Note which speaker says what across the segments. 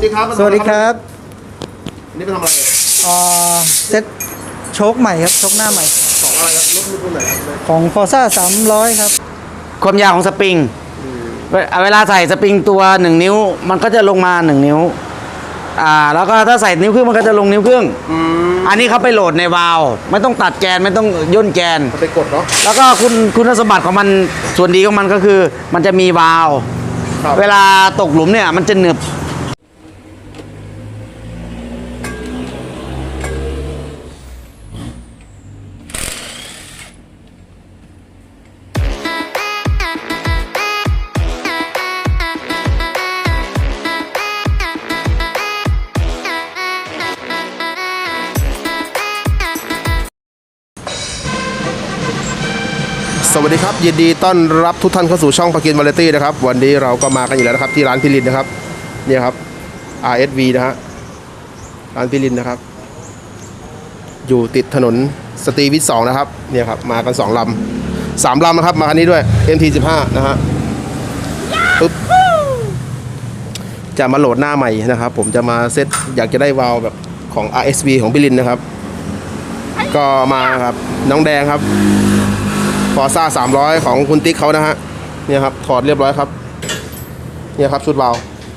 Speaker 1: ติ๊กครับ
Speaker 2: สวัสดีครับ
Speaker 1: นี่ไปทำอะไร
Speaker 2: เซ็ตโชคใหม่ครับโชคหน้าใหม่
Speaker 1: ของอะไรครับรถรุ่นไหน
Speaker 2: ของ Forza 300ครับ
Speaker 3: ความยาวของสปริงเวลาใส่สปริงตัว1นิ้วมันก็จะลงมา1นิ้วแล้วก็ถ้าใส่นิ้วครึ่งมันก็จะลงนิ้วครึ่งอันนี้เขาไปโหลดในวาล์วไม่ต้องตัดแกนไม่ต้องย่นแกน
Speaker 1: ไปกดเนาะ
Speaker 3: แล้วก็คุณสมบัติของมันส่วนดีของมันก็คือมันจะมีวาล์วเวลาตกหลุมเนี่ยมันจะหนึบ
Speaker 1: สวัสดีครับยินดีต้อนรับทุกท่านเข้าสู่ช่องปากินวาไรตี้นะครับวันนี้เราก็มากันอยู่แล้วนะครับที่ร้านพิรินนะครับนี่ครับ RSV นะฮะร้านพิรินนะครับอยู่ติดถนนสตรีวิทย์2นะครับเนี่ยครับมากัน2 ลำ 3 ลำนะครับมาคันนี้ด้วย MT15 นะฮะปึ๊บจะมาโหลดหน้าใหม่นะครับผมจะมาเซตอยากจะได้วาล์วแบบของ RSV ของพิรินนะครับก็มาครับน้องแดงครับForza 300ของคุณติ๊กเขานะฮะเนี่ยครับถอดเรียบร้อยครับเนี่ยครับชุดวาล์ว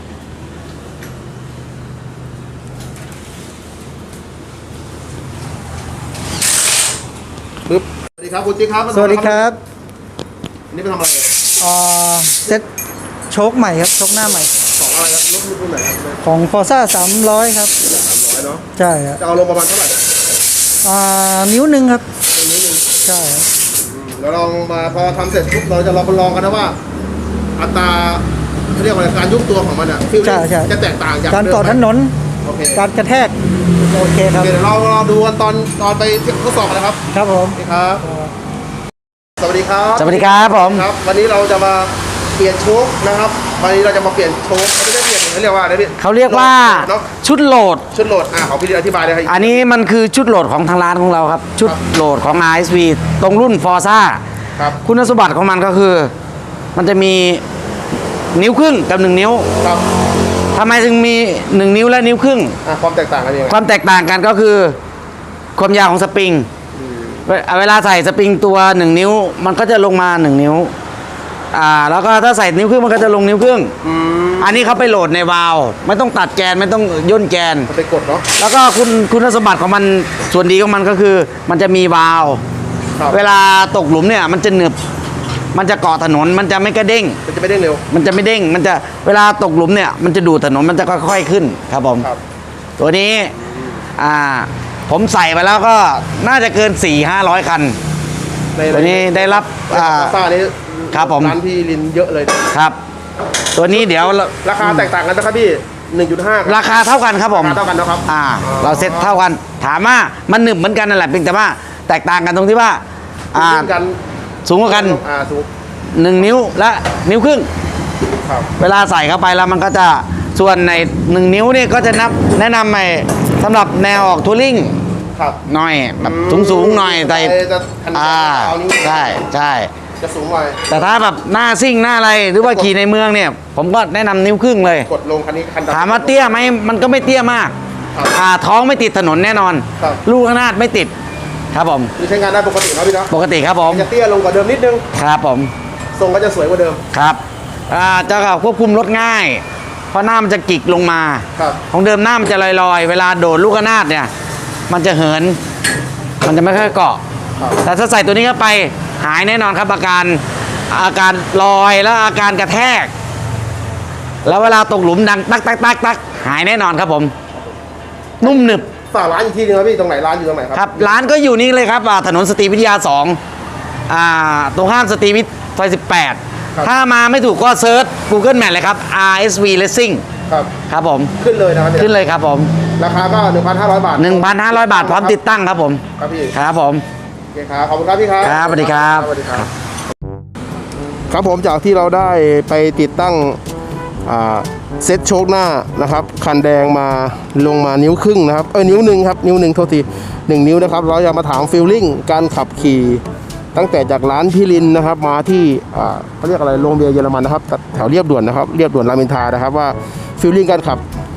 Speaker 1: ปึ๊บสวัสดีครับคุณติ๊กครับ
Speaker 2: สวัสดีครับ
Speaker 1: นี่ไปทำอะไร
Speaker 2: เซ็ตโชคใหม่ครับโชคหน้าใหม่
Speaker 1: ของอะไรครับรถรุ่นไหน
Speaker 2: ของ Forza 300ครับ
Speaker 1: 300เนาะ
Speaker 2: ใช่ครับ
Speaker 1: จะเอาลงประมาณเท่าไหร่
Speaker 2: นิ้วหนึ่งครับ
Speaker 1: นิ้วนึง
Speaker 2: ใช่
Speaker 1: แล้วลองมาพอทำเสร็จปุ๊บเราจะลองกันนะว่าอัตราเขาเรียกว่าการยุบตัวของมันอ่ะฟิลลิ่งจะแตกต่างจาก
Speaker 2: การต่อถนนการกระแทกโอเคครับ
Speaker 1: เดี๋ยวเราดูกันตอนไปทดสอบนะครับ
Speaker 2: ครับผม
Speaker 1: ครับสวัสดีครับ
Speaker 3: สวัสดีครับผม
Speaker 1: ครับวันนี้เราจะมาเปลี่ยนโชคนะครับวันนี้เราจะมาเปลี่ยนโชคไม่ได้เปลี่ยนเขาเรียกว่าอะไรพี่
Speaker 3: เขาเรียกว่าชุดโหลด
Speaker 1: ของพี่อธิบายเลยครับ
Speaker 3: อันนี้มันคือชุดโหลดของทางร้านของเราครับชุดโหลดของ RSV ตรงรุ่น Forza
Speaker 1: ครับ
Speaker 3: คุณสมบัติของมันก็คือมันจะมีนิ้วครึ่งกับ1นิ้ว
Speaker 1: ครับ
Speaker 3: ทำไมถึงมี1นิ้วและนิ้วครึ่ง
Speaker 1: ความแตกต่างกันยังไง
Speaker 3: ความแตกต่างกันก็คือความยาวของสปริงเวลาใส่สปริงตัว1นิ้วมันก็จะลงมา1นิ้วแล้วก็ถ้าใส่นิ้วครึ่งมันก็จะลงนิ้วครึ่งอันนี้เขาไปโหลดในวาล์วไม่ต้องตัดแกนไม่ต้องย่นแกน
Speaker 1: ไปกดเนาะ
Speaker 3: แล้วก็คุณสมบัติของมันส่วนดีของมันก็คือมันจะมีวาล์วเวลาตกหลุมเนี่ยมันจะหนึบมันจะเกาะถนนมันจะไม่กระเด้ง
Speaker 1: มันจะไม่เด้งเร็ว
Speaker 3: มันจะไม่เด้งมันจะเวลาตกหลุมเนี่ยมันจะดูดถนนมันจะค่อยๆขึ้นครับผมตัวนี้ผมใส่ไปแล้วก็น่าจะเกิน 400-500 คันตัวนี้ได้รับ
Speaker 1: ซ่านี้
Speaker 3: ครับผม
Speaker 1: ร้านพี่ลินเยอะเลย
Speaker 3: ครับตัวนี้เดี๋ยว
Speaker 1: ราคาแตกต่างกันนะครับพี่ 1.5
Speaker 3: ราคาเท่ากันครับผม
Speaker 1: เท่ากันนะครับ
Speaker 3: เราเซ็ตเท่ากันถามว่ามันหนึบเหมือนกันนั่นแหละเพียงแต่ว่าแตกต่างกันตรงที่ว่าสูงกว่ากัน1 นิ้วและนิ้วครึ่งเวลาใส่เข้าไปแล้วมันก็จะส่วนใน1 นิ้วนี่ก็จะแนะนำใหม่สำหรับแนวออกทัวริ่งหน่อยแบบสูงหน่อยแต่ใช่
Speaker 1: จะสูงหน่อย
Speaker 3: แต่ถ้าแบบหน้าซิ่งหน้าอะไรหรือว่าขี่ในเมืองเนี่ยผมก็แนะนำนิ้วครึ่งเลย
Speaker 1: กดลงคันนี้
Speaker 3: ถามว่าเตี้ยไหมมันก็ไม่เตี้ยมากท้องไม่ติดถนนแน่นอนลูกขนาดไม่ติดครับผม
Speaker 1: ใช้งานได้ปกตินะพี่เนาะ
Speaker 3: ปกติครับผม
Speaker 1: จะเตี้ยลงกว่าเดิมนิดนึง
Speaker 3: ครับผม
Speaker 1: ทรงก็จะสวยกว่าเดิม
Speaker 3: ครับจะควบคุมรถง่ายเพราะหน้ามันจะกิกลงมาของเดิมหน้ามันจะลอยๆเวลาโดดลูกขนาดเนี่ยมันจะเหินมันจะไม่ค่อยเกาะแต่ถ้าใส่ตัวนี้เข้าไปหายแน่นอนครับอาการลอยแล้วอาการกระแทกแล้วเวลาตกหลุมดังตักหายแน่นอนครับผมนุ่มหนึบ
Speaker 1: ฝากร้านอีกทีนึงครับพี่ตรงไหนร้านอยู่ตรงไหน
Speaker 3: ครับร้านก็อยู่นี่เลยครับถนนสตรีวิทยา2ตรงข้ามสตรีวิทย์ซอย18ถ้ามาไม่ถูกก็เซิร์ช Google Map เลยครับ RSV Racing ครับผม
Speaker 1: ขึ้นเลยนะครับ
Speaker 3: ขึ้นเลยครับผม
Speaker 1: ราคาก็ 1,500 บาท
Speaker 3: 1,500 บาทพร้อมติดตั้งครับผม
Speaker 1: ครับพี่
Speaker 3: ครับผม
Speaker 1: โอเคครับขอบคุณครับพี่ครับ
Speaker 3: ครับสวัสดีครับ
Speaker 1: สวัสดีครับครับผมจากที่เราได้ไปติดตั้งเซ็ตโชคหน้านะครับคันแดงมาลงมานิ้วครึ่งนะครับนิ้วหนึ่งครับนิ้วหนึ่งโทษที1 นิ้วนะครับเราจะมาถามฟีลลิ่งการขับขี่ตั้งแต่จากร้านพี่ลินนะครับมาที่เขาเรียกอะไรโรงเบียร์เยอรมันนะครับแถวเรียบด่วนนะครับเรียบด่วนรามอินทรานะครับว่าฟีลลิ่งการขับ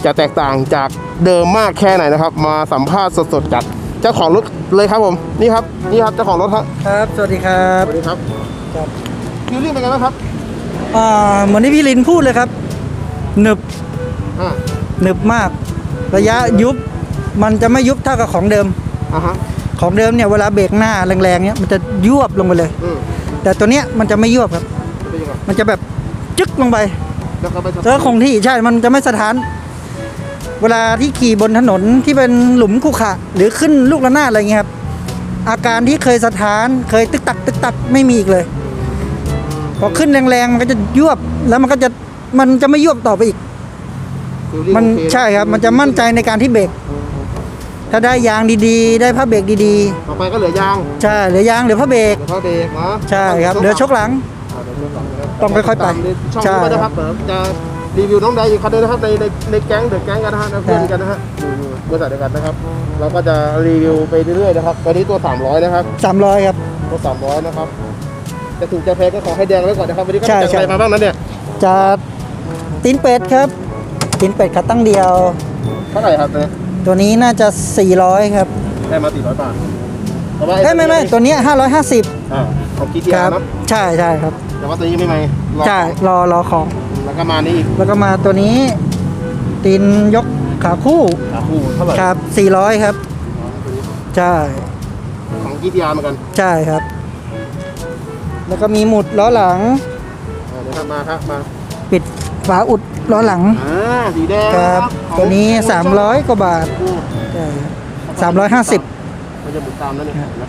Speaker 1: จะแตกต่างจากเดิมมากแค่ไหนนะครับ มาสัมภาษณ์สดๆจากเจ้าของรถเลยครับผมนี่ครับเจ้าของรถครับ
Speaker 2: ครับสวัสดีครับ
Speaker 1: สวัสดีครับ
Speaker 2: ครับ
Speaker 1: ฟิลลิ่งเป็นไงบ้างครับ
Speaker 2: เหมือนที่พี่ลินพูดเลยครับหนึบ
Speaker 1: อ่า
Speaker 2: หนึบมาก ระยะยุบมันจะไม่ยุบเท่ากับของเดิม
Speaker 1: อ่าฮะ
Speaker 2: ของเดิมเนี่ยเวลาเบรกหน้าแรงๆเนี่ยมันจะยวบลงไปเลย
Speaker 1: อืม
Speaker 2: แต่ตัวเนี้ยมันจะไม่ยวบครับ
Speaker 1: เป็นยังไง
Speaker 2: มันจะแบบจึ๊กลงไป
Speaker 1: แล้วก็ไป
Speaker 2: แล้วคงที่ใช่มันจะไม่สะท้าน เวลาที่ขี่บนถนนที่เป็นหลุมขรุขระหรือขึ้นลูกระนาดอะไรเงี้ยครับอาการที่เคยสะท้านเคยตึกตักไม่มีอีกเลยพอขึ้นแรงๆมันก็จะยวบแล้วมันจะไม่ยวบต่อไปอีก
Speaker 1: ฟิลลิ่ง
Speaker 2: มัน
Speaker 1: โอเคะ
Speaker 2: ใช่ครับมันจะมั่นใจในการที่เบรกถ้าได้ยางดีๆ ได้ผ้าเบรกดี
Speaker 1: ต่อไปก็เหลือยาง
Speaker 2: ๆใช่เหลือยางเหลือผ้าเบรก
Speaker 1: เหลือท่อเบรกเนาะ
Speaker 2: ใช่ครับเหลือชกหลัง
Speaker 1: เดี๋ยวช่วงหลังนะครับ
Speaker 2: ต้องค่อยๆไป
Speaker 1: ตามในช่อง
Speaker 2: ใช่
Speaker 1: นี้ก็นะครับเดี๋ยวจะรีวิวน้องแดงอีกคันนึงนะครับในแก๊งเดอะแก๊งกันนะฮะเพื่อนกันนะฮะอยู่บริษัทเดียวกันนะครับ เราก็จะรีวิวไปเรื่อยๆนะครับตอนนี้ตัว300นะครับ
Speaker 2: 300ครับ
Speaker 1: ตัว300นะครับจะถูกจะแพงก็ขอให้แดงไว้ก่อนนะครับวันนี้ก็
Speaker 2: ใช่
Speaker 1: จัด
Speaker 2: ใช่
Speaker 1: อะไรมาบ้างนั้นเนี่ย
Speaker 2: จะตีนเป็ดครับตีนเป็ดขาตั้งเดียว
Speaker 1: เท่าไหร่ครับเนี่ย
Speaker 2: ตัวนี้น่าจะ400ครับ
Speaker 1: ได้มา400 บาทแต่ว่า
Speaker 2: ไม่ตัวเนี้ย550
Speaker 1: ของกีที
Speaker 2: ค
Speaker 1: อา
Speaker 2: รับ
Speaker 1: ร์นะ
Speaker 2: ใช่ครับ
Speaker 1: แต่ว่าตัวนี้ไม่ไหม
Speaker 2: ใช่รอของ
Speaker 1: แล้วก็มานี่อีก
Speaker 2: แล้วก็มาตัวนี้ตีนยกขาคู่
Speaker 1: คู่เท่าไหร่
Speaker 2: ครับ400ครับใช่
Speaker 1: ของกีทีอาร์เหมือนกัน
Speaker 2: ใช่ครับ แล้วก็มีหมุดล้อหลัง
Speaker 1: เดี๋ยวครับมาครับมา
Speaker 2: ปิดฝาอุดล้อหลัง
Speaker 1: สีแดง
Speaker 2: ครับ
Speaker 1: ของ
Speaker 2: ตัวนี้300กว่าบาท
Speaker 1: คู่
Speaker 2: ใช่350
Speaker 1: มันจะหมุนตามนั่นเองนะ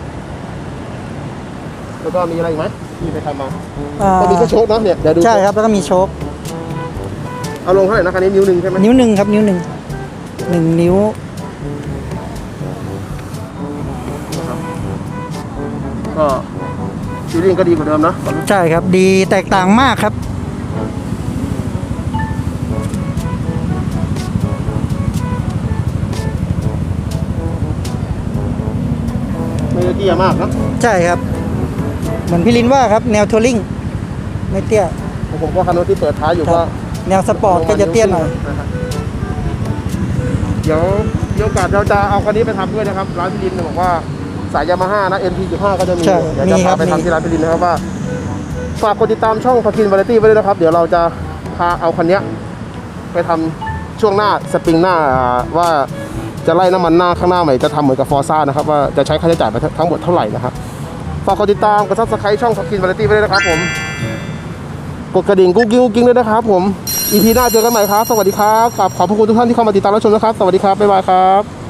Speaker 1: แล้วก็มีอะไรอีกไหมที่ไปทำมา ก็มีแค่โชคเนาะเนี่ยเดี๋ยวดู
Speaker 2: ใช่ครับแล้วก็มีโชค
Speaker 1: เอาลงเท่าไหร่นะคันนี้นิ้วหนึ่งใช่ไหม
Speaker 2: นิ้วหนึ่งครับนิ้วหนึ่งนิ้ว
Speaker 1: ก็ฟีลลิ่งก็ดีกว่าเดิมนะ
Speaker 2: ใช่ครับดีแตกต่างมากครับ
Speaker 1: ไม่ได้เตี้ยมากนะ
Speaker 2: ใช่ครับ เหมือนพี่ลินว่าครับแนวทัวริงไม่เตี้ย
Speaker 1: ผมก็คันรถที่เปิดท้ายอยู่
Speaker 2: ครั
Speaker 1: ก็
Speaker 2: บ แนวสปอร์ตก็จะเตี้ยหน่อย
Speaker 1: นะครับเดี๋ยวมีโอกาสเราจะเอาคันนี้ไปทำด้วยนะครับร้านพี่ลินบอกว่าสายยามาฮ่านะ NT15 ก็จะมี
Speaker 2: ใช่
Speaker 1: เดี๋ยวจะ
Speaker 2: มีครั
Speaker 1: พา
Speaker 2: บ
Speaker 1: ไป
Speaker 2: มี
Speaker 1: ทำที่ร้านพี่ลินนะครับว่าฝากกดติดตามช่องพาคินวาไรตี้ไว้ด้วยนะครับเดี๋ยวเราจะพาเอาคันเนี้ยไปทำช่วงหน้าสปริงหน้าว่าจะไล่น้ำมันหน้าข้างหน้าใหม่จะทำเหมือนกับฟอร์ซ่านะครับว่าจะใช้ค่าใช้จ่ายไปทั้งหมดเท่าไหร่นะครับฝากกดติดตามกดซับสไครต์ช่องพาคินวาไรตี้ไว้ด้วยนะครับผมกดกระดิ่งกุ๊กกิ๊งด้วยนะครับผม EP หน้าเจอกันใหม่ครับสวัสดีครับขอบพระคุณทุกท่านที่เข้ามาติดตามรับชมนะครับสวัสดีครับบ๊ายบายครับ